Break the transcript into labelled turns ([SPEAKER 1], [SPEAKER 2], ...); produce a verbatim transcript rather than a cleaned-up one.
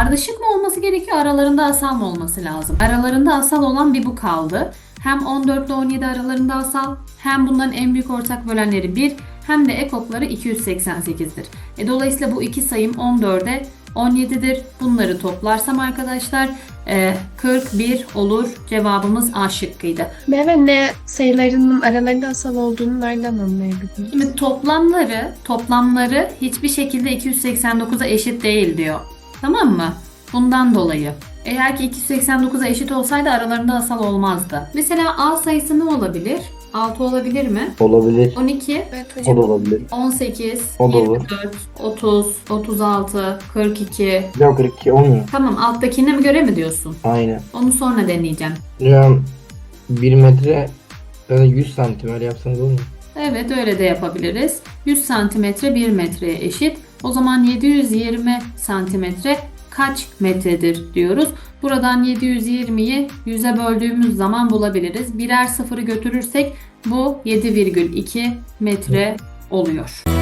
[SPEAKER 1] Ardışık mı olması gerekiyor, aralarında asal mı olması lazım? Aralarında asal olan bir bu kaldı. Hem on dört ile on yedi aralarında asal, hem bunların en büyük ortak bölenleri bir, hem de ekokları iki yüz seksen sekizdir. E, dolayısıyla bu iki sayım on dörde on yedidir. Bunları toplarsam arkadaşlar e, kırk bir olur. Cevabımız A şıkkıydı.
[SPEAKER 2] Ne ve ne sayılarının aralarında asal olduğunu nereden anlayabiliriz?
[SPEAKER 1] Şimdi toplamları, toplamları hiçbir şekilde iki yüz seksen dokuza eşit değil diyor. Tamam mı? Bundan dolayı. Eğer ki iki yüz seksen dokuza eşit olsaydı aralarında asal olmazdı. Mesela A sayısı ne olabilir? altı olabilir mi?
[SPEAKER 3] Olabilir.
[SPEAKER 1] on iki,
[SPEAKER 2] Evet
[SPEAKER 3] O
[SPEAKER 2] hocam.
[SPEAKER 3] da olabilir.
[SPEAKER 1] on sekiz,
[SPEAKER 3] O da olur.
[SPEAKER 1] yirmi dört, otuz, otuz altı, kırk iki.
[SPEAKER 3] Yok kırk iki olmuyor.
[SPEAKER 1] Tamam, alttakine mi göre mi diyorsun?
[SPEAKER 3] Aynen.
[SPEAKER 1] Onu sonra deneyeceğim.
[SPEAKER 3] Hocam bir metre ya da yüz santim öyle yapsanız olur mu?
[SPEAKER 1] Evet, öyle de yapabiliriz. yüz santimetre bir metreye eşit. O zaman yedi yüz yirmi santimetre kaç metredir diyoruz. Buradan yedi yüz yirmiyi yüze böldüğümüz zaman bulabiliriz. Birer sıfırı götürürsek bu yedi virgül iki metre oluyor.